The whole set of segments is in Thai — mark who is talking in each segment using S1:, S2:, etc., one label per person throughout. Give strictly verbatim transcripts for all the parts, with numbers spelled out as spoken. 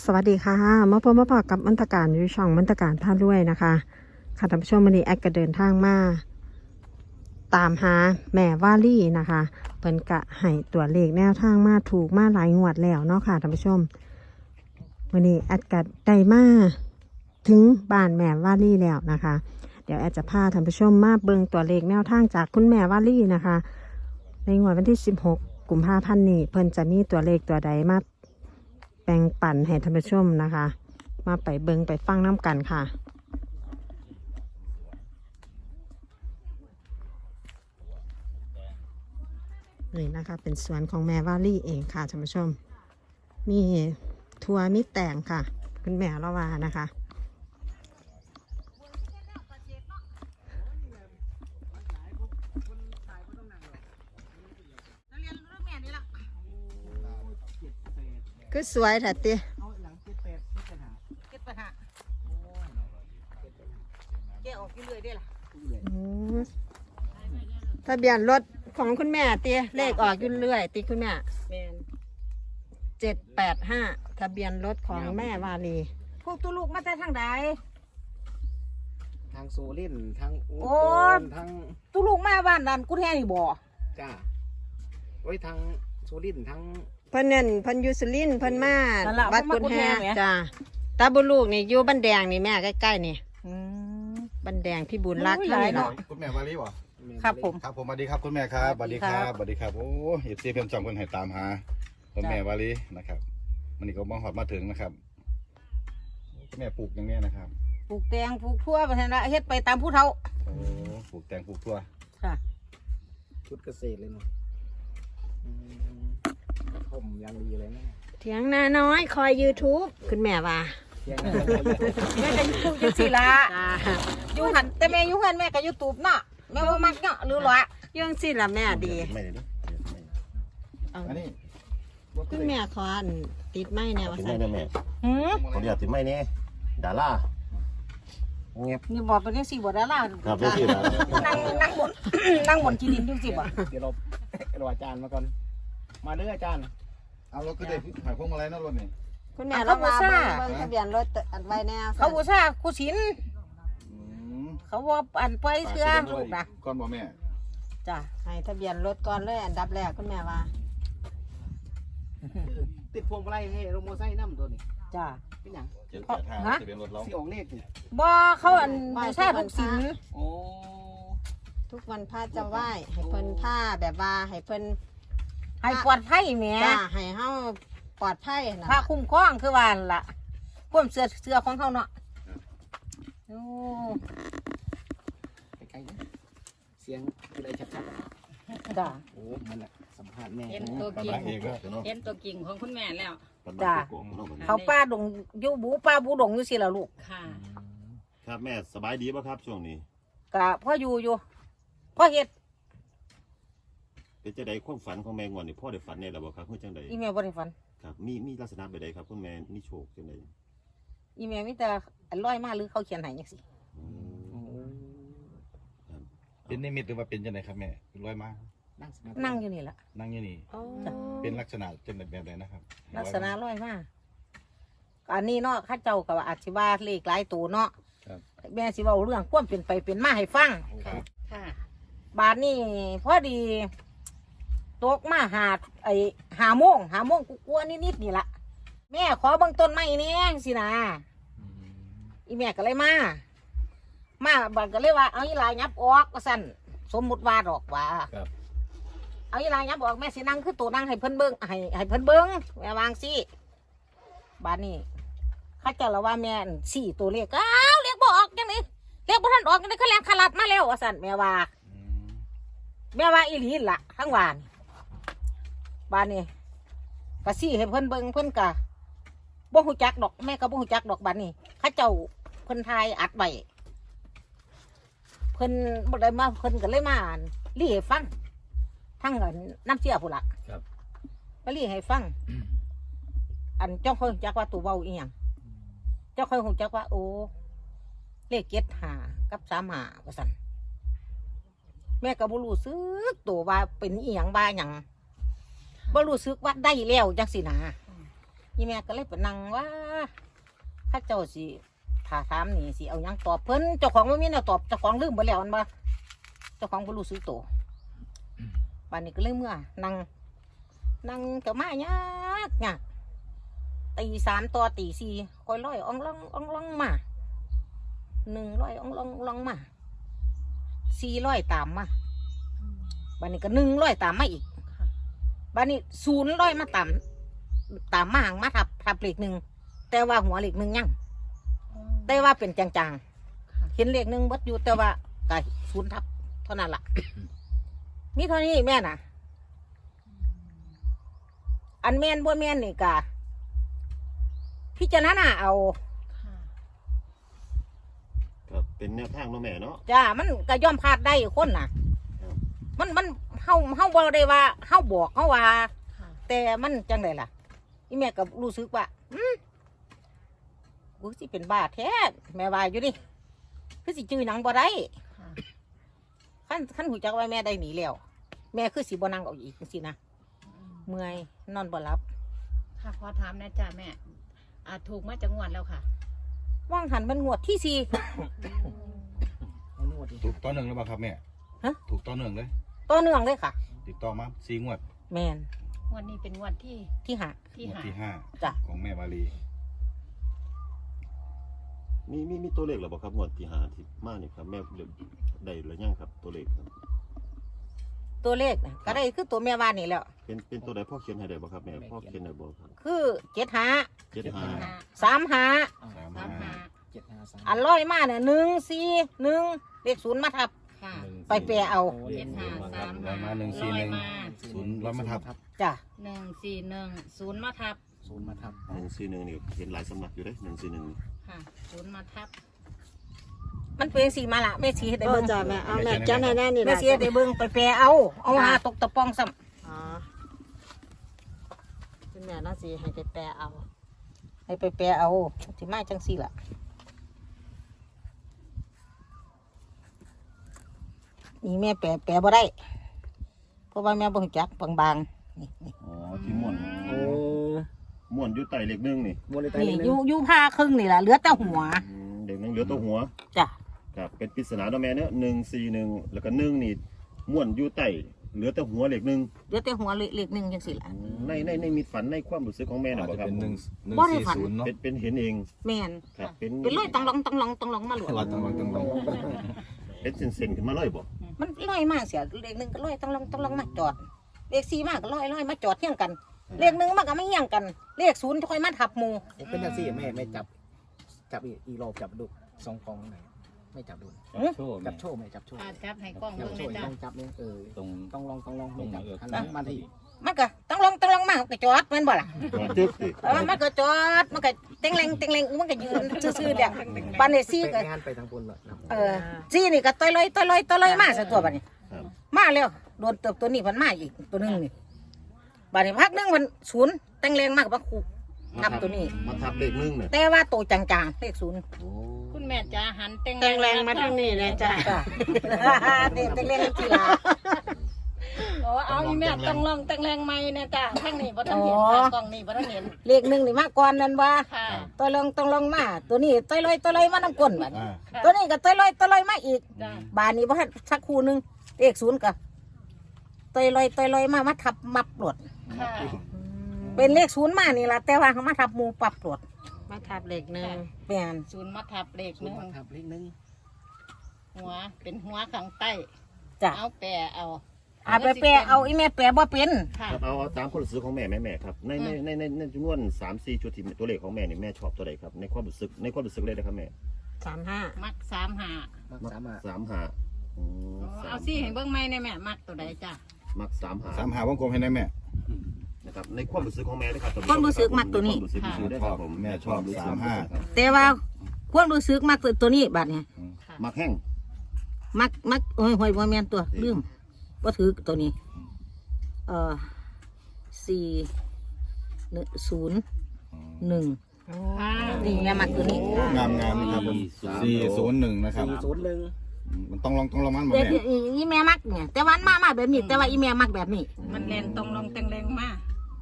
S1: สวัสดีค่ะมาพบมาพอกับมนตการอยู่ช่องมนตการท่าด้วยนะคะค่ะท่านผู้ชมวันนี้แอดก็เดินทางมาตามหาแม่ว่าลี่นะคะเพิ่นกะให้ตัวเลขแนวทางมาถูกมาหลายงวดแล้วเนาะค่ะท่านผู้ชมวันนี้แอดก็ได้มาถึงบ้านแม่ว่าลี่แล้วนะคะเดี๋ยวแอดจะพาท่านผู้ชมมาเบิ่งตัวเลขแนวทางจากคุณแม่ว่าลี่นะคะในงวดวันที่สิบหกกุมภาพันธ์นี้เพิ่นจะมีตัวเลขตัวใดมาแบ่งปันให้ท่านผู้ชมนะคะมาไปเบิงไปฟังน้ำกันค่ะนี่นะคะเป็นสวนของแม่วาลี่เองค่ะท่านผู้ชมมีทัวมีแตงค่ะคุณแม่ละวานะคะก็สวยถัดตีทะเบียนรถของคุณแม่ตีเลขออกยุ่นเรื่อยตีคุณแม่เจ็ดแปดห้าทะเบียนรถของแม่วาลี
S2: พวกตัวลูกมาแต่ทางใด
S3: ทางโซลินทางอุ
S2: โอ้
S3: บลทาง
S2: ตัวลูกมาบ้านดันกูแท้นี่บ่
S3: จ้าไว้ทางโซลินทาง
S1: เพิ่นเนี่ยเพิ่นอยูสุรินทร์เพิ่นมา
S2: นั่นล่ะ
S1: วัดกุฎแฮจ้าตาบุญลูกนี่อยู่บ้านแดงนี่แม่ใกล้ๆนี่
S2: อืม
S1: บ้านแดงพี่บุญรัก
S2: โอ้ย
S1: เท่า
S2: หลาย
S1: นี้
S2: เนาะ
S1: เนาะ
S4: คุณแม่วาลีบ่
S2: ครับผม
S4: ครับผมสวัสดีครับคุณแม่ครับส
S2: สวั
S4: วัส
S2: สดี
S4: ดี
S2: ค
S4: ค
S2: รั
S4: รับ บสวัสดีครับโอ้เอฟซีเพิ่มจำคนให้ตามหาคุณแม่วาลีนะครับมันนี่ก็มองหอดมาถึงนะครับคุณแม่ปลูกอย่างเนี้ยนะครับ
S2: ปลูกแตงปลูกทั่วไปนั่นละเฮ็ดไปตามผู้เฒ่า
S4: โอ้ปลูกแตงปลูกทั่ว
S2: ค่ะ
S3: ชุดเกษตรเลยเนาะอืมผมยังดีเลยนะ
S1: เถียงนาน้อยคอย YouTube คุณแม่ว่า
S3: เที่ยงนั้น
S2: แม่ก็อยู่จังซี่ล่ะ
S1: จ้า
S2: อยู่หันแต่แม่อยู่หันแม่ก็อยู่ตูบเนาะแม่บ่มักเนาะหรือหรอ
S1: ยังสิล่ะแม่ดี
S4: ไม่ได้เนอะอันนี้
S1: คุณแม่ขออันติดไม้แนว
S5: ติด
S1: สั่
S5: ไม่
S1: น
S5: แม่แม่
S2: หือ
S5: ขออนุญาตติดไม่เนี่ยดาราเงียบ
S2: นี่บ่เป็นจังซี่บ่ดารา
S5: ครับเพื่อที่นะ
S2: นั่งนั่งบน นั่งบนที่ดินจังซี่บ่
S3: เดี๋ยวเราเราอาจารย์มาก่อนมาเด้ออาจารย์
S4: เอารถก็ได้หายพวงมาลัยนั่นรถนี่
S1: คุณแม่เรามาเบิ่งเบิ่งทะเบียนรถอันไว้แนว
S2: เขาบูชาครูศิลป์
S4: อืม
S2: เขาว่าอันไปเสื้อลูกนะ
S4: ก่อนบ่แม่
S2: จ้ะ
S1: ให้ทะเบียนรถก่อนเลยอันดับแรกคุณแม่ว่า
S3: ติดพวงมาลัยให้โรโมไซค์น้ำตัวนี้
S2: จ้ะ
S3: เป็นหยัง
S4: เจ็ดแปดห้า
S2: ฮะ
S4: ทะเบียนรถเรา
S3: ที่ออกเลขเนี่ย
S2: บ่เขาอันบูชาทุกศิลป์
S3: โอ้
S1: ทุกวันพระจะไหว้ให้เพิ่นผ้าแบบว่าให้เพิ่น
S2: ให้ปลอดภัยแหม่
S1: จ้าให้เฮาปลอดภัยนะ
S2: พระคุ้มครองคือว่านั่นล่ะความเสื้อเสื้อของเขาเนาะโอ้
S3: ไปไกลนะเสียงอะไรชัด
S2: จ้ะ
S3: ๆโอ้มันแหละสัมภาษณ์แม่
S6: เห็น
S3: นะ
S6: ตัว
S4: ตา
S6: จริง
S4: มเองก็
S6: เห็นตัวจริงของคุณแม่แล้ว
S2: จ้ะเขาป้าดงอยู่บูป้าบูดงอยู่สิล่ะลูก
S6: ค่ะ
S5: ครับแม่สบายดีป่ะครับช่วงนี้
S2: ก็พ่ออยู่อยู่พ่อเฮ็ด
S5: เป็นจังใดความฝันของแม่งอนนี่พ่อได้ฝันในระบบครับคือจังใด
S2: อีแม่บ่ได้ฝัน
S5: ครับมีมีลักษณะแบบใดครับคุณแม่มีโชคจังใด
S2: อีแม่มีแต่อันร้อยมาหรือเขาเขียนให้จังซี่
S5: อืมครับ
S4: เป็นนิมิตหรือว่าเป็นจังไดครับแม่เป็นร้อยมา
S3: นั่งสมาธิ
S2: นั่งอยู่นี่ล่ะ
S4: นั่งอยู่นี่
S1: อ๋อ
S4: เป็นลักษณะจังไดแบบใดนะครับ
S2: ลักษณะร้อยมาอันนี้เนาะข้าเจ้าก็ว่าอาจสิว่าเลขหลายตัวเนาะ
S4: ครับ
S2: แม่สิเว้าเรื่องความเป็นไปเป็นมาให้ฟัง
S4: ครับ
S6: ค่ะ
S2: บาทนี่พอดีตกมาหาไอหาโมงหาโมงกูกลัวนิดๆนี่ละแม่ขอเบิ่งต้นไม้นี่สินะอีแม่ก็เลยมา มาบัดก็เลยว่าเอาอีหลายยับออกว่าสั่นสมมุติว่าดอกว่า
S4: ครับ
S2: เอาอีหลายยับออกแม่สินั่งคือตัวนั่งให้เพิ่นเบิ่งให้ให้เพิ่นเบิ่งแม่วางสิบาทนี่เข้าเจ้าละว่าแม่สี่ตัวเลขอ้าวเลขบ่ออกจังนี้เลขบ่ทันออกจังนี้เขาแลงขลัดมาแล้วว่าสั่นแม่ว่า
S4: อืม
S2: แม่ว่าอีหลีล่ะทั้งวานบ้านนี้กะซี่ให้เพิ่นเบิ่งเพิ่นกะบ่ฮู้จักดอกแม่ก็บ่ฮู้จักดอกบ้านนี้เขาเจ้าเพิ่นทายอัดไว้เพิ่นบ่ได้มาเพิ่นก็เลยมาอ่านรีให้ฟังทั้งอันน้ำเชี่ยพุ่นล่ะ
S4: ครับ
S2: ก็รีให้ฟัง อันเจ้าค่อยฮู้จักว่าตัวเว้าอีหยังเจ้าค่อยฮู้จักว่าโอ้เลขเจ็ดห้ากับสามห้าว่าซั่นแม่ก็บ่รู้สึกตัวว่าเป็นอีหยังว่าหยังบ่รู้สึกว่าได้แล้วจังสินะอีแม่ก็เลยไปนั่งว่าข้าเจ้าสิถ้าถามนี่สิเอาหยังตอบเพิ่นเจ้าของบ่มีแนวตอบเจ้าของลืมไปแล้วอันบ่เจ้าของบ่รู้สึกตัวบัดนี้ก็เลยเมื่อนั่งนั่งก็มายากยากตีสามต่อตีสี่คอยร้อยอ่องล่องอ่องล่องมาหนึ่งร้อยอ่องล่องล่องมาสี่ร้อยตามมาบัดนี้ก็หนึ่งร้อยตามมาอีกบัดนี้ศูนย์ร้อยมาตามตามมาหางมาทับทับเลขหนึ่งแต่ว่าหัวเลขหนึ่งยังแต่ว่าเป็นจางๆเห็นเลขหนึ่งเบิดอยู่แต่ว่าไก่ศูนย์ทับเท่านั้นล่ะมีเท่านี้แม่น่ะอันแม่นบ่แม่นนี่กะพิจารณาเอา
S5: ครับเป็นแนวทางเนาะแม่เนาะ
S2: จ้ามันก็ย่อมพลาดได้คนน่ะ มันมันเฮาเฮาบ่ได้ว่าเฮาบอกเฮาว่า แต่มันจังไดล่ะอีแม่ก็รู้สึกว่าอืมกูสิเป็นบ้าแท้แม่ว่าอยู่ดิคือสิจื้อหนังบ่ได้ขั้นขั้นหูจักว่าแม่ได้หนีแล้วแม่คือสิบ่นั่งเอาอีกจังซี่นะเมื่อยนอนบ่หลับ
S6: ค่ะขอถามนะจ้าแม่อ่าถูกมาจากงวดแล้วค่ะ
S2: ว่างหันมันงวดที่สี่
S3: เอานวดดิ
S4: ถูกต่อหนึ่งหรือเปล่าครับแม่
S2: ฮะ
S4: ถูกต่อหนึ่งเลย
S2: ต่อเนื่องเลยค่ะ
S4: ติดต่อมาสี่งวด
S2: แม่น
S6: งวดนี้เป็นงวดที่
S2: ที่หา
S6: ที่
S4: งวด
S6: หา
S4: ที่ห้า
S2: จ้ะ
S4: ของแม่วาลี
S5: มีมีมีตัวเลขหรือเปล่าครับงวดที่หาที่มานี่ครับแม่ได้หรือยังครับตัวเลขครับ
S2: ตัวเลขน่ะก็ได้คือตัวแม่ว่านี่แหล้ว
S5: เป็นเป็นตัวใดพ่อเขียนให้ได้บ่ครับแม่พ่อเขียนได้บ่ครับ
S2: คือเจ็ดหา
S5: เจ็ดห้า
S2: สามหา
S4: สาม
S6: สาม
S4: ห้า
S6: หา
S3: เจ็ดห้าสาม
S2: อันร้อยมาเนี่ยหนึ่งสี่หนึ่งเลขศูนย์มาทับ
S6: ค่ะ
S2: ไปแปลเอา
S6: เจ็ดห้าสาม
S4: ร้อยมา
S6: หา
S4: หนึ่งสี่หนึ่ง
S6: ร้อยมา
S4: ศูนย์ร้อยมาทับ
S2: จ้ะ
S6: หนึ่งสี่หนึ่งศูนย์มาทับ
S3: ศูนย์มาทับ
S5: หนึ่งสี่หนึ่งนี่เห็นหลายสำนักอยู่เด้หนึ่งสี่หนึ่ง
S6: ค่ะศูนย์มาทับ
S2: มันเป็นสีมาละแม่ชีได้
S1: ก็
S2: เบิ้ง
S1: จะแม่เอาแม่จ้าแน่แน่นี่
S2: แม่
S1: นะ
S2: ชีได้เบิ้งไปแปลเอา เอาหาตกตะปองซ้
S1: อ๋อคุณแม่น่าสิให้ไปแปลเอา
S2: ำให้ไปแปลเอาที่มาจังสี่ล่ะนี่แม่แปลแปลบ่ได้ เพราะว่าแม่บ่รู้จักบางๆนี่นี่
S5: อ๋อที่ม่วน
S3: โอ้
S5: ม่วนอยู่ใต้เลขหนึ่งนี่
S3: มวลไต
S2: นี่
S3: เลย
S2: อยู่อยู่ผ้าครึ่งนี่ล่ะเหลือแต่หัว
S5: อืมเลขหนึ่งเหลือตัวหัว
S2: จ้ะ
S5: ครับเป็นปริศนาเนาะแม่เนาะหนึ่งสี่หนึ่งแล้วก็หนึ่งนี่ม่วนอยู่ใต้เหลือแต่หัวเลขหนึ่ง
S2: เหลือแต่หัวเลขหนึ่งจังสี่ล่ะ
S5: ในในในมีฝันในความรู้สึกของแม่น่ะ
S4: อาจ
S5: บ่
S4: จะ
S5: ครับ
S4: เป็นหนึ่งหนึ่ง
S2: บ่ได้
S4: สี่
S2: ฝัน
S4: ศูนย์เนาะ
S5: เป็นเป็นเห็นเอง
S2: แม่น
S5: ครับเป็น
S2: เป็นร้อยตังหลองตังหลองตังหลองมาหลว
S4: เราต้องลองต้องลอง
S5: เป็นเส้นๆขึ้นมาเลยบ่
S2: มันลอยมากเสียเลขหนึ่งก็ลอยต้องลองต้องลองมาจอดเลขสี่มากก็ลอยลอยมาจอดเที่ยงกัน เลขหนึ่งมันก็ไม่เที่ยงกัน เลขศูนย์ค่อยมาทับหมู
S3: เป็นอย่างสี่แม่ไม่จับ จับอีกอีรอบจับดูสองกองไหนไม่จับดู
S4: โชว์
S3: จับโชว์ไหมจับโชว์
S6: อ่าจับให้กล้อง
S3: จั
S6: เบิ่
S3: บ
S6: ง
S3: โช
S6: เลย
S3: ว์
S6: จ้า
S3: ต้องจับเนี่ยเออ
S4: ตรง
S3: ต้องลองต้องลอง
S4: ตรงไหน
S3: จับ
S4: เออ
S3: หันหลังมาที่
S2: มันก็ต้องลองต้องลองมาก็จอดแมันบ่ล่ะ
S5: ตึ๊บสิ
S2: เออมันก็จอดมันก็เต็งเลงเต็งเลงมันก็ยืนซื่อๆเดียวบันนี้ซี่ก็
S3: ไปงานไปทางบนเลยนะ
S2: เออซี่นี่ก็ต้อยลอยต้อยลอยต้อยลอยมาซะตัวบัดนี้
S5: ครับ
S2: มาแล้วโดนเติบตัวนี้มันมาอีกตัวหนึงนี่บัดนี้พักหนึงมันศูนย์เต็งเลงมากกว่าคูนับตัวนี้
S5: มาทับเลขหนึ่งเนี่ย
S2: แต่ว่าตัวจางๆเลขศูนย์
S5: โอ้
S6: คุณแม่จ้าหันเต็ง
S1: แรงแรงมาทางนี้เลยจ้ะ
S2: จ้ะ เต็งเต็งเลงทีละ
S6: โอ้เอาอีแม่ต้องลองเต็งแรงไหมนะจ้าทางนี้บ่ทันเห็นค่ะกล้องนี้บ่ทันเห็น
S2: เลขหนึ่งนี่มาก่อนนั่นว่า
S6: ค่ะ
S2: ตัวลองต้องลองมา ตัวนี้ตัวลอยตัวลอยมาน้ำก้นบัดนี้
S4: อ่า
S2: ตัวนี้ก็ตัวลอยตัวลอยมาอีก
S6: จ้า
S2: บานนี้บ่ทันสักคู่หนึงเลขศูนย์ก็ตัวลอยตัวลอยมามาทับมับปลด
S6: ค่ะ
S2: เป็นเลขศูนย์มานี่ล่ะแต่ว่าเขามาทับหมูปรับปลด
S1: มาทับเหล็กหนึ่ง
S2: แม่น
S6: ศูนย์มาทับเลข
S3: ศู
S6: ห
S3: น
S6: นึ่
S3: ย์
S6: ง
S3: มาทับเลขหนึ่ง
S6: หัวเป็นหัวข้างใต้
S2: จ้ะ
S6: เอาแปะเอา
S2: อาไปแปลเอาอีแม่แปลบ่เป็น
S6: ค่ะ
S5: ครับเอาเอาตามความรู้สึกของแม่แม่แม่ครับในในในในในจำนวนสามสี่ชุดที่ตัวเลขของแม่นี่แม่ชอบตัวใดครับในความรู้สึกในความรู้สึกเลยนะครับแม่
S1: สามห้า
S6: มักสามหา
S3: มักสามารถ
S5: สามหาอืม
S6: อ๋อ
S5: สาม
S6: เอาสิให้เบิ่งไหมในแม่มักตัวใดจ้า
S5: มักสามหา
S4: สามหาวงกลมให้ได้แม่
S5: นะครับในความรู้สึกของแม่นะครับ
S2: ความรู้สึกมักตัวนี้
S5: ความรู้สึกของแม่นะครับผม
S4: แม่ชอบสามห้า
S2: แต่ว่าความรู้สึกมักตัวนี้บัดนี้
S6: ค่ะ
S5: มักแห้ง
S2: มักมักโอ้ยหวยบ่แม่นตัวลืมบ่ถือตัวนี้ เอ่อสี่หนึ่งศูนย์หนึ่ง
S6: ค่ะ
S2: นี่แม่มักตัวนี้
S4: งามงามนะครับผมสี่ศูนย์หนึ่งนะครับ
S3: สี่ศูนย์หนึ่ง
S4: มันต้องลองต้องลองมันหมด
S2: เด็ก
S4: แม่
S2: อีอีแม่มักเนี่ยแต่วันมามาแบบนี้แต่ว่าอีแม่มักแบบนี้
S6: มันแรงตรงลงเต็งแรงมาก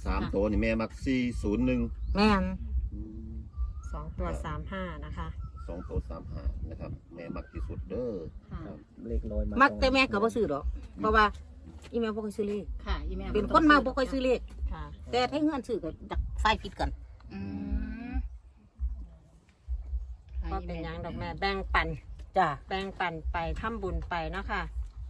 S5: สามตัวนี่แม่มักสี่ศูนย์หนึ่ง
S2: แม่น
S1: สองตัวสามห้านะคะ
S5: สองตัวสามห้านะครับ แม่มักที่สุดเด้อ
S3: ครับเลขลอยมา
S2: มัก
S3: ตรง
S2: แต่แม่ก็บ่ซื้อดอกเพราะว่าอีแม่บ่ค่อยซื้อเลข
S6: ค่ะอีแม่
S2: เป็นคนมาบ่ค่อยซื้อเลข
S1: ค่ะ
S2: แต่ถ้าเงินซื้อก็ดักไฟผิดกัน
S6: อืม
S1: ก็เป็นหยังดอกแม่แบ่งปัน
S2: จ้ะ
S1: แบ่งปันไปทำบุญไปเนาะค่ะ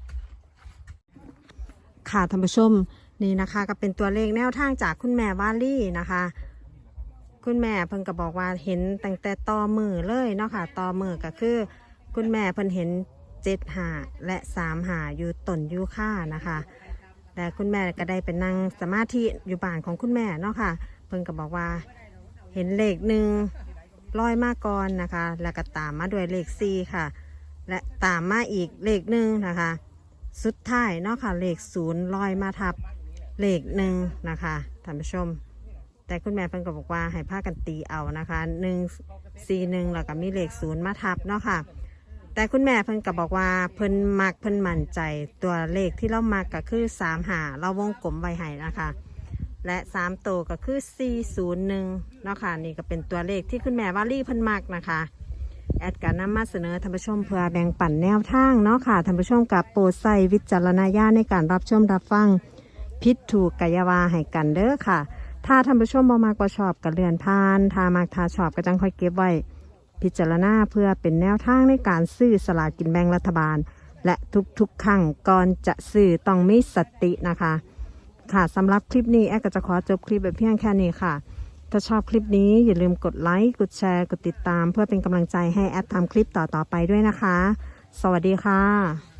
S1: ค่ะท่านผู้ชมนี่นะคะก็เป็นตัวเลขแนวทางจากคุณแม่วาลี่นะคะ คุณแม่เพิ่นก็บอกว่าเห็นตั้งแต่ต่อมือเลยเนาะค่ะต่อมือก็คือ คุณแม่เพิ่นเห็นเจ็ดหาและสามหาอยู่ต้นยูค่านะคะแต่คุณแม่ก็ได้เป็นนั่งสมาธิอยู่บ้านของคุณแม่เนาะค่ะเพิ่นก็บอกว่าเห็นเลขหนึ่งลอยมาก่อนนะคะ แล้วก็ตามมาด้วยเลขสี่ค่ะ และตามมาอีกเลขหนึ่งนะคะ สุดท้ายเนาะค่ะเลขศูนย์ลอยมาทับเลขหนึ่งนะคะท่านผู้ชม แต่คุณแม่เพิ่นก็บอกว่าให้พากันตีเอานะคะหนึ่งสี่หนึ่งแล้วก็มีเลขศูนย์มาทับเนาะค่ะ แต่คุณแม่เพิ่นก็บอกว่าเพิ่นมักเพิ่นมั่นใจตัวเลขที่เรามักก็คือสามหาเราวงกลมไว้ให้นะคะ และสามตัวก็คือสี่ศูนย์หนึ่งเนาะค่ะนี่ก็เป็นตัวเลขที่คุณแม่วาลี่เพิ่นมักนะคะแอดการนำมาเสนอท่านผู้ชมเพื่อแบ่งปันแนวทางเนาะค่ะท่านผู้ชมกับโปรดใส่วิจารณญาณในการรับชมรับฟังพิษถูกกายาวาให้กันเด้อค่ะ ถ้าท่านผู้ชมบ่มากกว่าชอบกับเรือนพานถ้ามากถ้าชอบก็จังค่อยเก็บไว้พิจารณาเพื่อเป็นแนวทางในการซื้อสลากกินแบ่งรัฐบาล และทุกๆครั้งก่อนจะซื้อต้องมีสตินะคะค่ะสำหรับคลิปนี้แอดก็จะขอจบคลิปแบบเพียงแค่นี้ค่ะถ้าชอบคลิปนี้อย่าลืมกดไลค์กดแชร์กดติดตามเพื่อเป็นกำลังใจให้แอดทำคลิปต่อๆไปด้วยนะคะ สวัสดีค่ะ